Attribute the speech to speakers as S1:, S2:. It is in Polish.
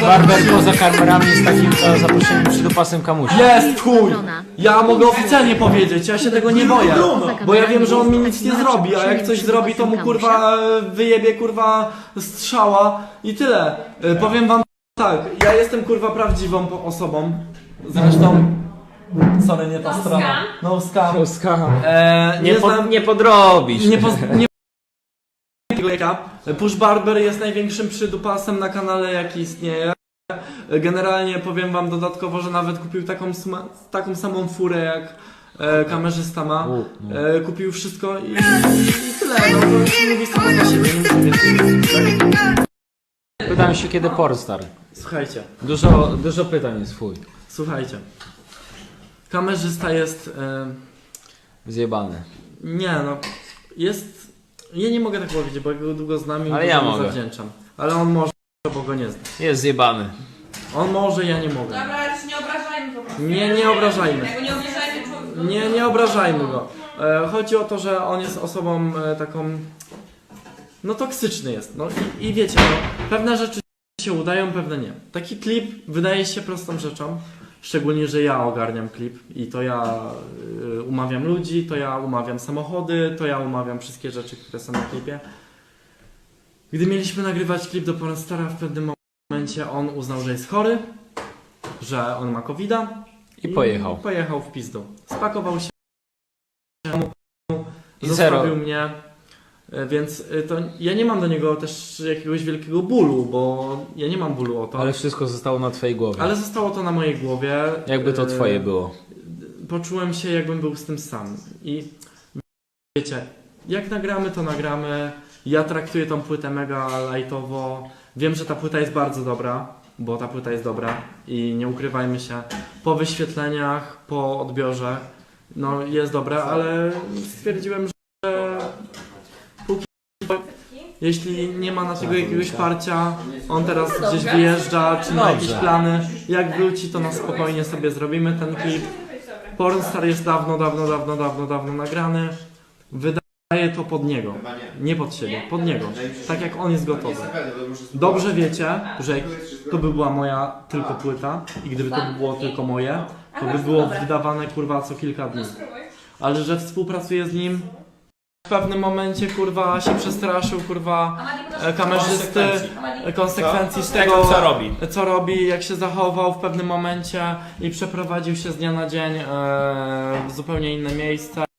S1: Barber poza kamerami jest takim zaproszeniem przydupasem kamusia.
S2: Jest chuj! Ja mogę oficjalnie powiedzieć, ja się tego nie boję. Bo ja wiem, że on mi nic nie zrobi, a jak coś zrobi, to mu kurwa wyjebie kurwa strzała i tyle. Powiem wam tak, ja jestem kurwa prawdziwą osobą. Zresztą... Sorry, nie ta strona. No scam.
S1: Nie podrobisz.
S2: Push Barber jest największym przydupasem na kanale, jaki istnieje. Generalnie powiem wam dodatkowo, że nawet kupił taką samą furę jak kamerzysta ma. Kupił wszystko i tyle. No to mówi samo za siebie.
S1: Pytałem się kiedy Pornstar.
S2: Słuchajcie.
S1: Dużo pytań jest fuj.
S2: Słuchajcie. Kamerzysta jest...
S1: Zjebany.
S2: Nie no, jest... Ja nie mogę tak powiedzieć, bo go długo znam i
S1: ale ja
S2: mu
S1: mogę.
S2: zawdzięczam. Ale on może, bo go nie znam.
S1: Jest zjebany.
S2: On może, ja nie mogę.
S3: Dobra, ale nie obrażajmy po prostu.
S2: Nie obrażajmy.
S3: Jakby nie obrażajmy człowieka.
S2: Nie obrażajmy go. Chodzi o to, że on jest osobą taką... No toksyczny jest. No i wiecie, no, pewne rzeczy się udają, pewne nie. Taki klip wydaje się prostą rzeczą. Szczególnie, że ja ogarniam klip i to ja umawiam ludzi, to ja umawiam samochody, to ja umawiam wszystkie rzeczy, które są na klipie. Gdy mieliśmy nagrywać klip do Pornstara, w pewnym momencie on uznał, że jest chory, że on ma COVID-a
S1: I pojechał.
S2: Pojechał w pizdu. Spakował się,
S1: I
S2: zostawił
S1: zero.
S2: mnie, więc to ja nie mam do niego też jakiegoś wielkiego bólu, bo ja nie mam bólu o to.
S1: Ale wszystko zostało na twojej głowie.
S2: Ale zostało to na mojej głowie.
S1: Jakby to twoje było.
S2: Poczułem się, jakbym był z tym sam. I wiecie, jak nagramy, to nagramy. Ja traktuję tą płytę mega lightowo. Wiem, że ta płyta jest bardzo dobra, bo ta płyta jest dobra i nie ukrywajmy się. Po wyświetleniach, po odbiorze, no jest dobra, ale stwierdziłem, że póki jeśli nie ma na tego jakiegoś parcia, on teraz gdzieś wyjeżdża, czy ma jakieś plany, jak wróci, to na spokojnie sobie zrobimy ten klip. Pornstar jest dawno nagrany. Wydaje to pod niego. Nie pod siebie, pod niego. Tak jak on jest gotowy. Dobrze wiecie, że to by była moja tylko płyta i gdyby to by było tylko moje, to by było wydawane kurwa co kilka dni. Ale że współpracuję z nim, w pewnym momencie kurwa się przestraszył kurwa kamerzysty, konsekwencji z tego co robi, jak się zachował w pewnym momencie i przeprowadził się z dnia na dzień w zupełnie inne miejsce.